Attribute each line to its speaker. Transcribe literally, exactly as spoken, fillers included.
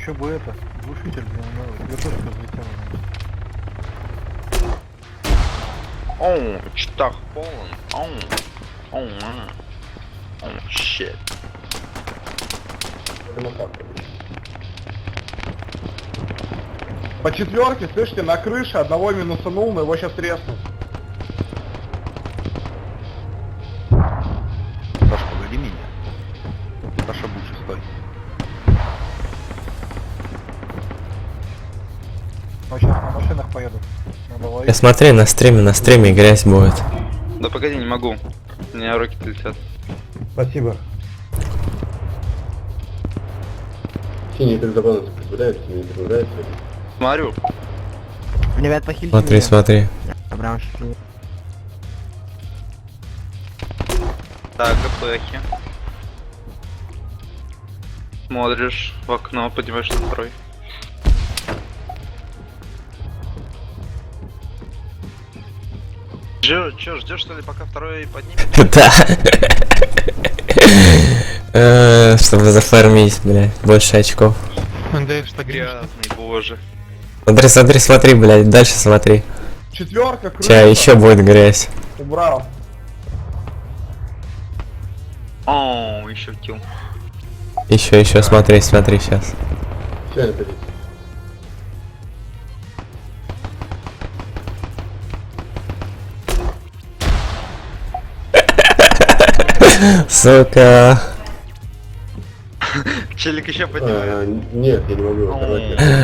Speaker 1: Еще бы это, глушитель, блин, надо. Вертушка взлетела.
Speaker 2: Оу, читах полон. Оу. Оу, мана. Оу, щит.
Speaker 3: По четверке, слышите, на крыше одного минусанул, но его сейчас треснут.
Speaker 1: Саша, погоди меня. Саша, будь шестой. Ну, сейчас на машинах поедут. Надо ловить.
Speaker 4: Я смотри, на стриме, на стриме грязь будет.
Speaker 2: Да погоди, не могу. У меня руки летят.
Speaker 3: Спасибо.
Speaker 5: Синий перезабанус прибавляется, не прибавляется.
Speaker 2: Смотрю.
Speaker 6: Ребят, похилите
Speaker 4: Смотри,
Speaker 6: меня.
Speaker 4: смотри.
Speaker 6: Прям шучу.
Speaker 2: Так, ГПХи. Смотришь в окно, поднимаешь на второй. Че, че, ждешь что ли, пока второй поднимет?
Speaker 4: Да. Э, Чтобы зафармить, блядь, больше очков.
Speaker 2: Грязный, боже.
Speaker 4: Смотри, смотри, смотри, блядь, дальше смотри.
Speaker 3: Четверка, крыша.
Speaker 4: Сейчас еще будет грязь.
Speaker 3: Убрал.
Speaker 2: Оу, еще килл.
Speaker 4: Еще, еще, смотри, смотри, сейчас.
Speaker 5: Все, находите.
Speaker 4: Сука.
Speaker 2: Челик еще поднимает.
Speaker 5: А, нет, я не могу его оторвать.